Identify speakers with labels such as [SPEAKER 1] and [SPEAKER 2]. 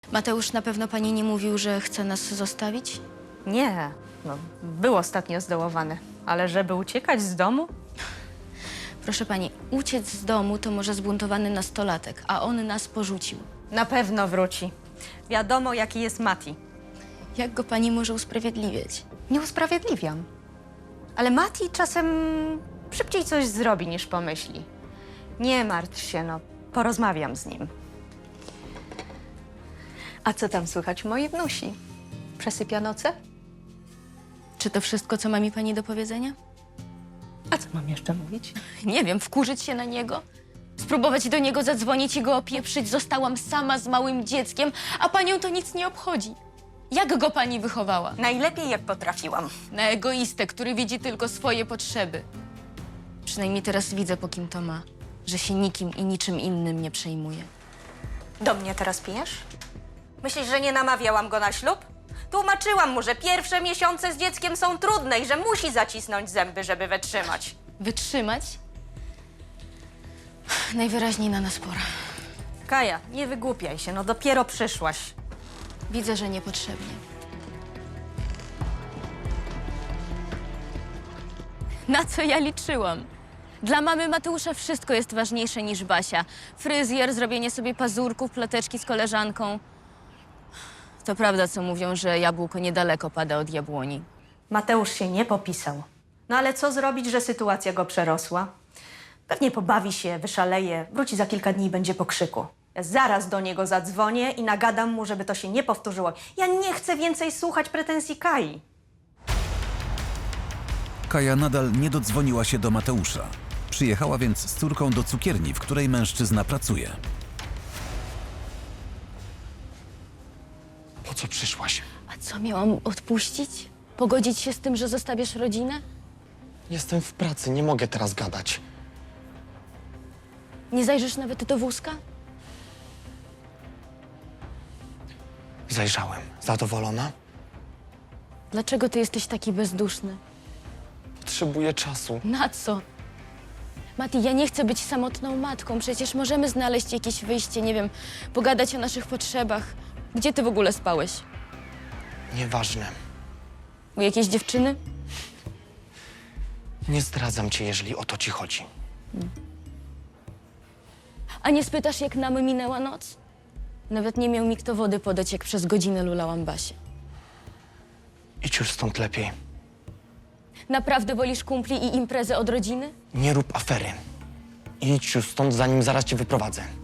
[SPEAKER 1] Mateusz na pewno pani nie mówił, że chce nas zostawić?
[SPEAKER 2] Nie, no, był ostatnio zdołowany. Ale żeby uciekać z domu?
[SPEAKER 1] Proszę pani, uciec z domu to może zbuntowany nastolatek, a on nas porzucił.
[SPEAKER 2] Na pewno wróci. Wiadomo, jaki jest Mati.
[SPEAKER 1] Jak go pani może usprawiedliwiać?
[SPEAKER 2] Nie usprawiedliwiam. Ale Mati czasem szybciej coś zrobi, niż pomyśli. Nie martw się, no. Porozmawiam z nim. A co tam słychać u mojej wnusi? Przesypia noce?
[SPEAKER 1] Czy to wszystko, co ma mi pani do powiedzenia?
[SPEAKER 2] A co mam jeszcze mówić?
[SPEAKER 1] Nie wiem, wkurzyć się na niego? Spróbować do niego zadzwonić i go opieprzyć? Zostałam sama z małym dzieckiem, a panią to nic nie obchodzi. Jak go pani wychowała?
[SPEAKER 2] Najlepiej, jak potrafiłam.
[SPEAKER 1] Na egoistę, który widzi tylko swoje potrzeby. Przynajmniej teraz widzę, po kim to ma, że się nikim i niczym innym nie przejmuje.
[SPEAKER 3] Do mnie teraz pijesz? Myślisz, że nie namawiałam go na ślub? Tłumaczyłam mu, że pierwsze miesiące z dzieckiem są trudne i że musi zacisnąć zęby, żeby wytrzymać.
[SPEAKER 1] Wytrzymać? Najwyraźniej na nas pora.
[SPEAKER 3] Kaja, nie wygłupiaj się, no dopiero przyszłaś.
[SPEAKER 1] Widzę, że niepotrzebnie. Na co ja liczyłam? Dla mamy Mateusza wszystko jest ważniejsze niż Basia. Fryzjer, zrobienie sobie pazurków, ploteczki z koleżanką. To prawda, co mówią, że jabłko niedaleko pada od jabłoni.
[SPEAKER 3] Mateusz się nie popisał. No ale co zrobić, że sytuacja go przerosła? Pewnie pobawi się, wyszaleje, wróci za kilka dni i będzie po krzyku. Ja zaraz do niego zadzwonię i nagadam mu, żeby to się nie powtórzyło. Ja nie chcę więcej słuchać pretensji Kai.
[SPEAKER 4] Kaja nadal nie dodzwoniła się do Mateusza. Przyjechała więc z córką do cukierni, w której mężczyzna pracuje.
[SPEAKER 5] Po co przyszłaś?
[SPEAKER 1] A co, miałam odpuścić? Pogodzić się z tym, że zostawiasz rodzinę?
[SPEAKER 5] Jestem w pracy, nie mogę teraz gadać.
[SPEAKER 1] Nie zajrzysz nawet do wózka?
[SPEAKER 5] Zajrzałem. Zadowolona?
[SPEAKER 1] Dlaczego ty jesteś taki bezduszny?
[SPEAKER 5] Potrzebuję czasu.
[SPEAKER 1] Na co? Mati, ja nie chcę być samotną matką. Przecież możemy znaleźć jakieś wyjście, nie wiem, pogadać o naszych potrzebach. Gdzie ty w ogóle spałeś?
[SPEAKER 5] Nieważne.
[SPEAKER 1] U jakiejś dziewczyny?
[SPEAKER 5] Nie zdradzam cię, jeżeli o to ci chodzi.
[SPEAKER 1] A nie spytasz, jak nam minęła noc? Nawet nie miał mi kto wody podać, jak przez godzinę lulałam Basię.
[SPEAKER 5] Idź już stąd lepiej.
[SPEAKER 1] Naprawdę wolisz kumpli i imprezę od rodziny?
[SPEAKER 5] Nie rób afery. Idź już stąd, zanim zaraz cię wyprowadzę.